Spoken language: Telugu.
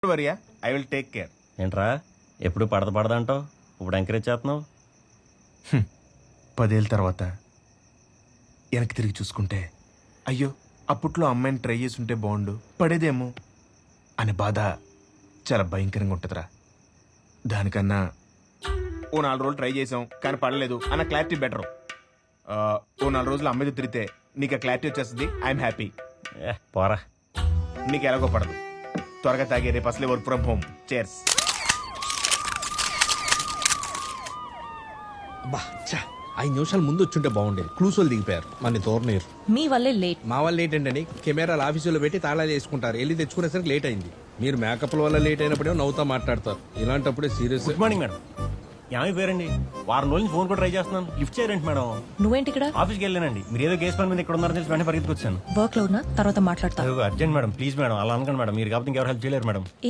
వరియా ఐ విల్ టేక్ కేర్. ఏంట్రా ఎప్పుడు పడదంటావు, ఇప్పుడు ఎంకరేజ్ చేస్తున్నావు? 10 ఏళ్ళ తర్వాత వెనక్కి తిరిగి చూసుకుంటే అయ్యో అప్పట్లో అమ్మాయిని ట్రై చేసి ఉంటే బాగుండు పడేదేమో అనే బాధ చాలా భయంకరంగా ఉంటుందిరా. దానికన్నా ఓ 4 రోజులు ట్రై చేసాం కానీ పడలేదు అన్న క్లారిటీ బెటర్. ఓ 4 రోజులు అమ్మాయితో తిరిగితే నీకు ఆ క్లారిటీ వచ్చేస్తుంది. I'm happy. పోరా, నీకు ఎలాగో పడదు. త్వరగా తాగే రేపు అసలే వర్క్ ఫ్రమ్ హోమ్. చేర్స్. బా చా 5 నిమిషాలు ముందు వచ్చుంటే బాగుండేది. క్లూస్ వాళ్ళు దిగిపోయారు, మన తోరనీరు. మీ వల్లే లేట్. మా వాళ్ళు లేట్ ఏంటని కెమెరాలు ఆఫీసులో పెట్టి తాళాలు వేసుకుంటారు. వెళ్ళి తెచ్చుకునేసరికి లేట్ అయింది. మీరు మేకప్ల వల్ల లేట్ అయినప్పుడే నవ్వుతా మాట్లాడతారు. ఇలాంటప్పుడే సీరియస్. Good morning madam. ఏమైపోయారండి? వారం రోజుల నుంచి ఫోన్ కూడా ట్రై చేస్తున్నాను, లిఫ్ట్ చేయరండి మేడం. నువ్వేంటి ఇక్కడ? ఆఫీస్కి వెళ్ళానండి, మీరు ఏదో కేసు పని మీద ఇక్కడ ఉన్నారని తెలిసి వెంటనే పరిగెత్తుకొచ్చాను. వర్క్ లో ఉన్నా తర్వాత మాట్లాడతా. అర్జెంట్ మేడం, ప్లీజ్ మేడం, అలా అనకండి మేడం. మీరు కాబట్టి ఇంకెవరు హెల్ప్ చేయలేరు మేడం.